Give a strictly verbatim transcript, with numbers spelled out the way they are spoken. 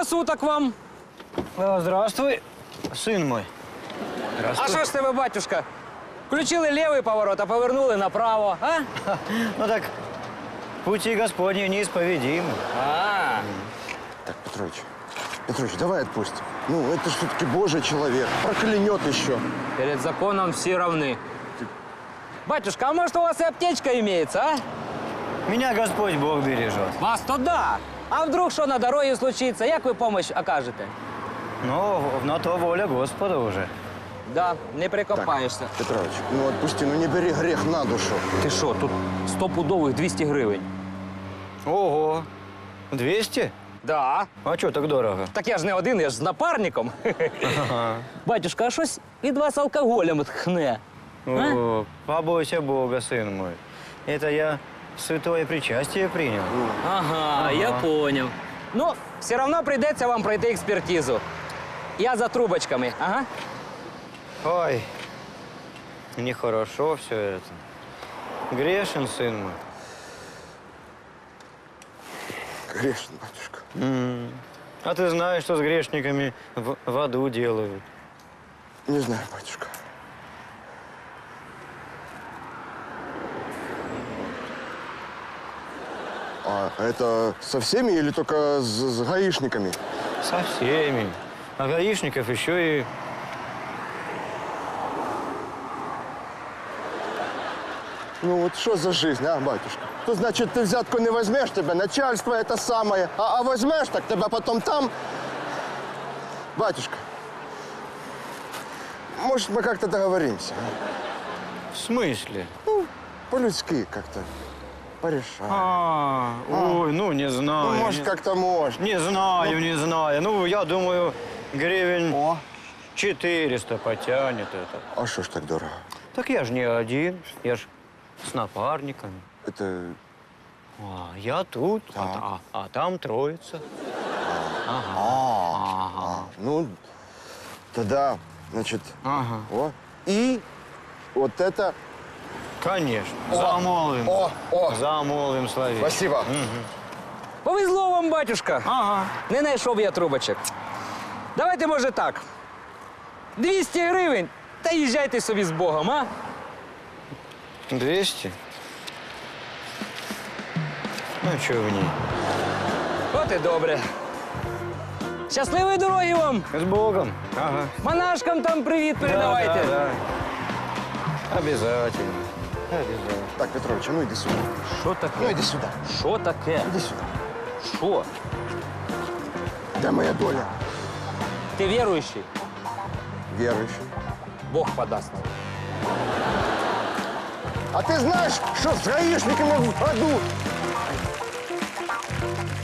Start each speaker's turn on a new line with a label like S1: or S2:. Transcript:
S1: суток вам.
S2: Здравствуй, сын мой.
S1: А що ж тебе, батюшка? Включили лівий поворот, а повернули направо, а?
S2: Ну так, пути Господни неисповедимы.
S1: А,
S3: Так, Петрович, Петрович, давай отпустим. Ну, это же все-таки Божий человек. Проклянет еще.
S1: перед законом всі равны. Батюшка, а может у вас и аптечка имеется, а?
S2: Меня Господь Бог бережет.
S1: Вас-то да. А вдруг что на дороге случится, як ви помощь окажете?
S2: Ну, на то воля Господа уже.
S1: Да, не прикопаєшся.
S3: Петрович, ну отпусти, ну не бери грех на душу.
S1: Ти що, тут стопудових двісті гривень.
S2: Ого, двести?
S1: Да.
S2: А что так дорого?
S1: Так я ж не один, я ж з напарником.
S2: Ага.
S1: Батюшка, а щось від вас алкоголем тхне.
S2: О, побойся Бога, сын мой. Это я святое причастие принял.
S1: Ага,
S2: Ага.
S1: я понял. Ну, все равно прийдеться вам пройти експертизу. Я за трубочками, ага.
S2: Ой, нехорошо все это. Грешен, сын мой.
S3: Грешен, батюшка.
S2: М. А ты знаешь, что с грешниками в, в аду делают?
S3: Не знаю, батюшка. А это со всеми или только с, с гаишниками?
S2: Со всеми. А гаишников еще и...
S3: Ну вот что за жизнь, а, батюшка? То значит, ты взятку не возьмешь, тебе начальство это самое, а, а возьмешь, так тебя потом там... Батюшка, может, мы как-то договоримся? а?
S2: В смысле?
S3: Ну, по-людски как-то порешаем.
S2: А, ой, ну не знаю.
S3: Ну, может,
S2: не,
S3: как-то можно.
S2: не знаю, не знаю. Ну, я думаю, гривен
S3: О,
S2: четыреста потянет это.
S3: а что ж так дорого?
S2: Так я ж не один, я ж с напарниками.
S3: Это...
S2: А, я тут, а,
S3: Так.
S2: а- а там троица.
S3: А,
S2: Ага.
S3: а, ну, тогда, значит,
S2: Ага.
S3: о, и вот это...
S2: Конечно.
S3: О,
S2: Замолвим.
S3: о, о.
S2: Замолвим словечко.
S3: Спасибо.
S1: Повезло вам, батюшка.
S2: Ага.
S1: Не знайшов я трубочок. Давайте, може, так. двісті гривень, та їжджайте собі з Богом, а?
S2: двести? Ну, что в ней?
S1: От і добре. Щасливої дороги вам!
S2: С Богом. Ага.
S1: Монашкам там привіт передавайте.
S2: Да, да, да. Обязательно. Обязательно.
S3: Так, Петрович, а ну иди сюда.
S1: Що таке?
S3: Ну иди сюда.
S1: Що таке?
S3: Иди сюда.
S1: Що?
S3: Где моя доля?
S1: Ти віруючий?
S3: Верующий.
S1: Бог подасть.
S3: А ты знаешь, что с гаишниками в аду?